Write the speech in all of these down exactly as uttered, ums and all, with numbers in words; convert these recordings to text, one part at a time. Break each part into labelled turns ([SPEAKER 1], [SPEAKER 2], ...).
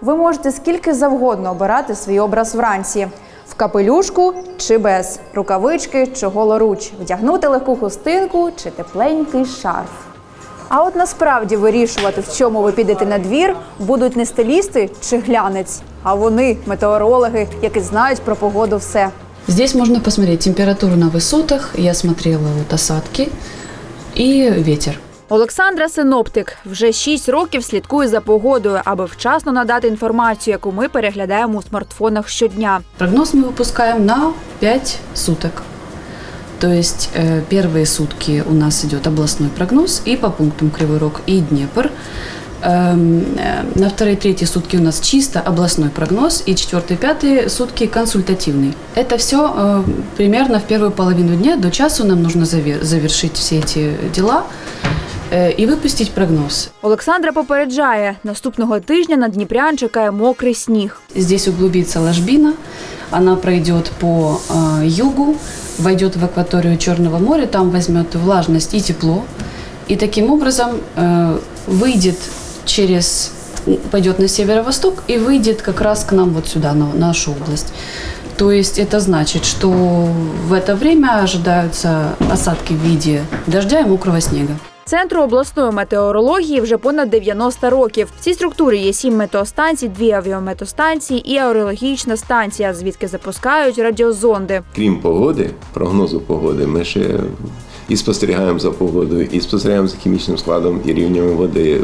[SPEAKER 1] Ви можете скільки завгодно обирати свій образ вранці. В капелюшку чи без, рукавички чи голоруч, вдягнути легку хустинку чи тепленький шарф. А от насправді вирішувати, в чому ви підете на двір, будуть не стилісти чи глянець, а вони – метеорологи, які знають про погоду все.
[SPEAKER 2] Здесь можно посмотреть температуру на высотах, я смотрела вот осадки и ветер.
[SPEAKER 1] Олександра – синоптик. Вже шість років слідкує за погодою, аби вчасно надати інформацію, яку ми переглядаємо у смартфонах щодня.
[SPEAKER 2] Прогноз мы выпускаем на пять суток. То есть э, первые сутки у нас идет областной прогноз и по пунктам Кривой Рог и Днепр. Эм, э, на вторые, третьи сутки у нас чисто областной прогноз и четвертые, пятые сутки консультативный. Это все э, примерно в первую половину дня до часу нам нужно завер- завершить все эти дела і випустити прогноз.
[SPEAKER 1] Олександра попереджає, наступного тижня на дніпрян чекає мокрий сніг.
[SPEAKER 2] Здесь углубится ложбина, она пройдет по э, югу, войдет в акваторию Черного моря, там возьмет влажность и тепло. И таким образом э, выйдет через, пойдет на северо-восток и выйдет как раз к нам вот сюда, на нашу область. То есть это значит, что в это время ожидаются осадки в виде дождя и мокрого снега.
[SPEAKER 1] Центру обласної метеорології вже понад дев'яносто років. В цій структурі є сім метеостанцій, дві авіаметеостанції і аерологічна станція, звідки запускають радіозонди.
[SPEAKER 3] Крім погоди, прогнозу погоди, ми ще і спостерігаємо за погодою, і спостерігаємо за хімічним складом і рівнями води,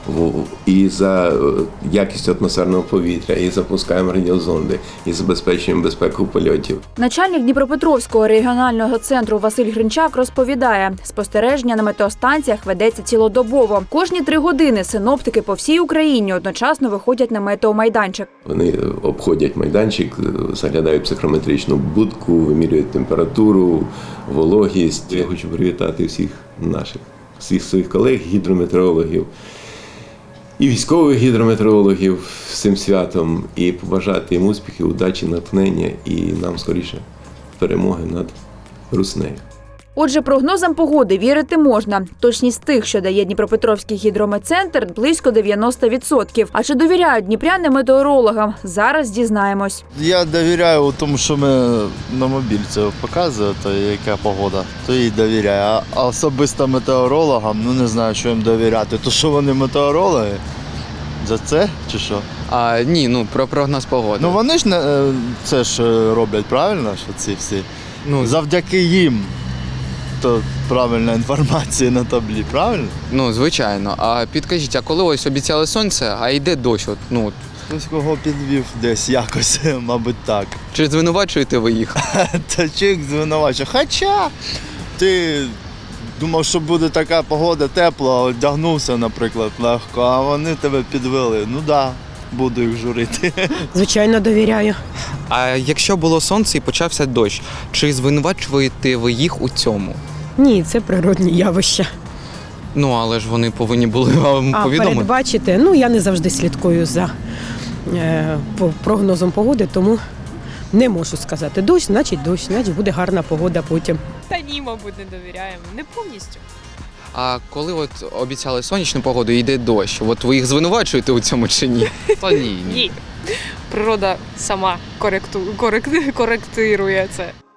[SPEAKER 3] і за якістю атмосферного повітря, і запускаємо радіозонди, і забезпечуємо безпеку польотів.
[SPEAKER 1] Начальник Дніпропетровського регіонального центру Василь Гринчак розповідає, спостереження на метеостанціях ведеться цілодобово. Кожні три години синоптики по всій Україні одночасно виходять на метеомайданчик.
[SPEAKER 3] Вони обходять майданчик, заглядають в психрометричну будку, вимірюють температуру, вологість. Я хочу привітати всіх наших, всіх своїх колег, гідрометеорологів і військових гідрометеорологів з цим святом і побажати їм успіхів, удачі, натхнення і нам скоріше перемоги над руснею.
[SPEAKER 1] Отже, прогнозам погоди вірити можна. Точність тих, що дає Дніпропетровський гідрометцентр, близько дев'яносто відсотків. А чи довіряють дніпряни метеорологам? Зараз дізнаємось.
[SPEAKER 4] Я довіряю тому, що ми на мобільці показує, то яка погода, то їй довіряю. А особисто метеорологам, ну не знаю, що їм довіряти. То що вони метеорологи? За це чи що?
[SPEAKER 5] А, ні, ну про прогноз погоди.
[SPEAKER 4] Ну вони ж не, це ж роблять правильно, що ці всі.
[SPEAKER 5] Ну,
[SPEAKER 4] завдяки їм. То правильна інформація на таблі, правильно?
[SPEAKER 5] Ну, звичайно. А підкажіть, а коли ось обіцяли сонце, а йде дощ? От, ну,
[SPEAKER 4] Хтось кого підвів десь якось, мабуть, так.
[SPEAKER 5] чи звинувачуєте ви їх?
[SPEAKER 4] Та чи їх звинувачує? Хоча ти думав, що буде така погода тепла, одягнувся, наприклад, легко, а вони тебе підвели. Ну так, да, буду їх журити.
[SPEAKER 6] Звичайно, довіряю.
[SPEAKER 5] А якщо було сонце і почався дощ, чи звинувачуєте ви їх у цьому?
[SPEAKER 6] Ні, це природні явища.
[SPEAKER 5] Ну, але ж вони повинні були вам
[SPEAKER 6] А
[SPEAKER 5] повідомити.
[SPEAKER 6] передбачити, ну я не завжди слідкую за е, по прогнозом погоди, тому не можу сказати. Дощ, значить дощ, значить буде гарна погода потім.
[SPEAKER 7] Та ні, мабуть, не довіряємо. Не повністю.
[SPEAKER 5] А коли от обіцяли сонячну погоду і йде дощ, от ви їх звинувачуєте у цьому чи ні? Та ні, ні.
[SPEAKER 7] Ні. Природа сама коректу, корект, коректирує це.